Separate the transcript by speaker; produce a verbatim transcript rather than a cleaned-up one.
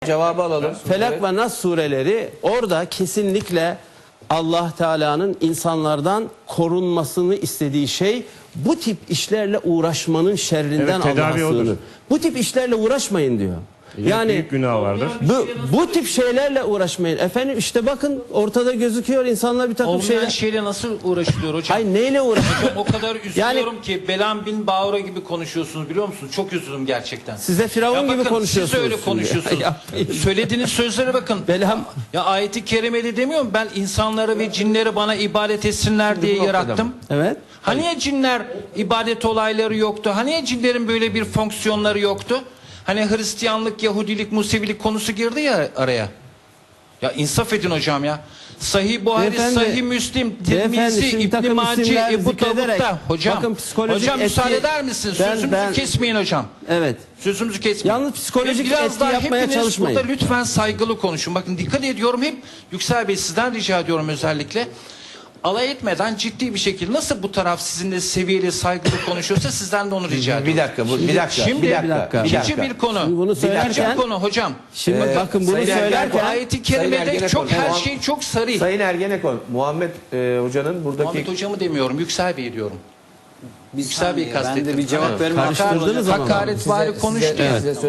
Speaker 1: Cevabı alalım.
Speaker 2: Felak
Speaker 1: Evet.
Speaker 2: ve Nas sureleri orada kesinlikle Allah Teala'nın insanlardan korunmasını istediği şey bu tip işlerle uğraşmanın şerrinden
Speaker 3: Evet,
Speaker 2: Allah'a
Speaker 3: tedavi odur.
Speaker 2: sığınır. Bu tip işlerle uğraşmayın diyor.
Speaker 3: Yani büyük günah vardır.
Speaker 2: Bu, bu tip şeylerle uğraşmayın. Efendim işte bakın ortada gözüküyor, insanlar bir takım
Speaker 4: Olmayan
Speaker 2: şeyler.
Speaker 4: şeyle nasıl uğraşılıyor hocam?
Speaker 2: Ay neyle uğraşıyor?
Speaker 4: O kadar üzülüyorum ki Belam bin Bağura gibi konuşuyorsunuz, biliyor musunuz? Çok üzüldüm gerçekten.
Speaker 2: Size Firavun
Speaker 4: Ya
Speaker 2: gibi
Speaker 4: bakın,
Speaker 2: konuşuyorsunuz.
Speaker 4: siz de öyle
Speaker 2: şimdi.
Speaker 4: konuşuyorsunuz.
Speaker 2: Yapmayın.
Speaker 4: Söylediğiniz sözlere bakın.
Speaker 2: Belam.
Speaker 4: Ya ayeti kerimede demiyorum, ben insanları ve cinleri bana ibadet etsinler diye
Speaker 1: bu noktada
Speaker 4: yarattım.
Speaker 1: mı?
Speaker 2: Evet.
Speaker 4: Hani ya cinler ibadet olayları yoktu? Hani ya cinlerin böyle bir fonksiyonları yoktu? Hani Hristiyanlık, Yahudilik, Musevilik konusu girdi ya araya. Ya insaf edin hocam ya. Sahih Buhari,
Speaker 2: Beyefendi,
Speaker 4: Sahih Müslim,
Speaker 2: beyefendi,
Speaker 4: Tirmizi,
Speaker 2: şimdi
Speaker 4: İbn
Speaker 2: takım
Speaker 4: Mace,
Speaker 2: isimler
Speaker 4: Ebu
Speaker 2: zikrederek,
Speaker 4: Davud'da. Hocam,
Speaker 2: bakın psikolojik
Speaker 4: hocam
Speaker 2: etki-
Speaker 4: müsaade eder misiniz?
Speaker 2: Ben-
Speaker 4: Sözümüzü
Speaker 2: ben-
Speaker 4: kesmeyin hocam.
Speaker 2: Evet.
Speaker 4: Sözümüzü kesmeyin.
Speaker 2: Yalnız psikolojik
Speaker 4: Ve biraz
Speaker 2: etki
Speaker 4: daha
Speaker 2: yapmaya
Speaker 4: hepiniz
Speaker 2: çalışmayın.
Speaker 4: burada lütfen saygılı konuşun. Bakın dikkat ediyorum, hep Yüksel Bey sizden rica ediyorum özellikle. Alay etmeden ciddi bir şekilde, nasıl bu taraf sizinle seviyeli, saygılı konuşuyorsa sizden de onu rica ediyorum.
Speaker 1: Bir dakika, bu, bir dakika.
Speaker 4: Şimdi
Speaker 1: bir dakika.
Speaker 2: bir dakika.
Speaker 1: bir
Speaker 4: İkinci
Speaker 1: dakika.
Speaker 4: bir konu.
Speaker 2: Şimdi bunu
Speaker 4: İkinci
Speaker 2: söylerken-
Speaker 4: bir konu hocam.
Speaker 2: Şimdi
Speaker 1: Ee,
Speaker 2: bakın bunu
Speaker 1: Sayın Ergen,
Speaker 4: Bu
Speaker 2: söylerken
Speaker 4: ayeti
Speaker 1: Sayın
Speaker 4: kerimede
Speaker 1: Ergenekon,
Speaker 4: çok her
Speaker 1: Muham-
Speaker 4: şey çok sarı.
Speaker 1: Sayın Ergenekon, Muhammed e, Hoca'nın buradaki...
Speaker 4: Muhammed hocamı demiyorum, Yüksel Bey diyorum.
Speaker 5: Bir
Speaker 4: Yüksel Bey'i
Speaker 5: saniye, ben de
Speaker 4: kastettim.
Speaker 5: bir cevap
Speaker 4: Evet.
Speaker 5: vermem.
Speaker 2: Karıştırdınız ama.
Speaker 4: Hakaret
Speaker 1: Size-
Speaker 4: vari konuştu
Speaker 1: size-
Speaker 4: ya.
Speaker 1: size